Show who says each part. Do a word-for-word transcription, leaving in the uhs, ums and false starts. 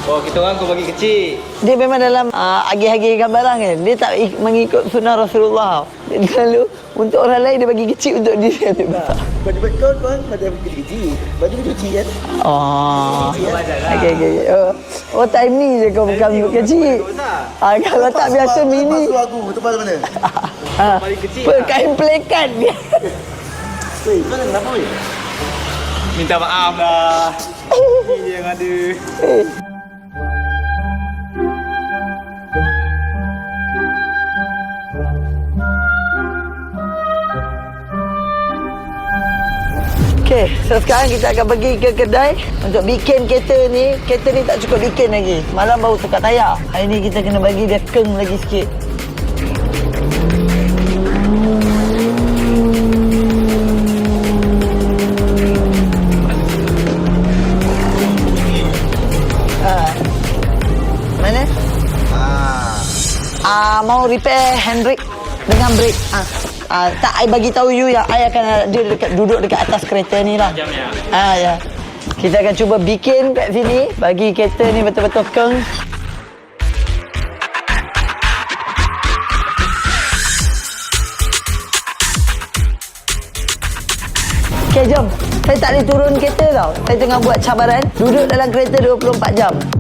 Speaker 1: Oh, kita orang kau bagi kecil.
Speaker 2: Dia memang dalam uh, agih-agihkan barang kan. Dia tak ik- mengikut sunnah Rasulullah. Dia selalu untuk orang lain dia bagi kecil, untuk dia dia besar.
Speaker 3: Baju kau kau pada kecil-kecil. Baju kau cuci kan?
Speaker 2: Oh.
Speaker 3: Kecil kan?
Speaker 2: Okey okey. Oh, oh time ni je kau bukan kecil. Ah, kalau tak biasa mini.
Speaker 3: Masuk aku, tempat mana?
Speaker 2: Ah,
Speaker 1: Paling kecil
Speaker 2: kain plekat dia.
Speaker 3: Weh, kau kenapa weh?
Speaker 1: Minta maaf lah. Ini yang ada.
Speaker 2: Okey, so sekarang kita akan pergi ke kedai untuk bikin kereta ni. Kereta ni tak cukup bikin lagi. Malam baru tukar tayar. Hari ni kita kena bagi dia keng lagi sikit. Ha. Mana?
Speaker 3: Ah.
Speaker 2: Ah, mau repair handbrake dengan brake. Ah. Ah, tak, I bagi tahu you yang I akan dia dekat, duduk dekat atas kereta ni lah.
Speaker 1: Jam ya.
Speaker 2: Ah, ya. Kita akan cuba bikin kat sini bagi kereta ni betul-betul keng. Okey, jom. Saya tak boleh turun kereta tau. Saya tengah buat cabaran duduk dalam kereta dua puluh empat jam.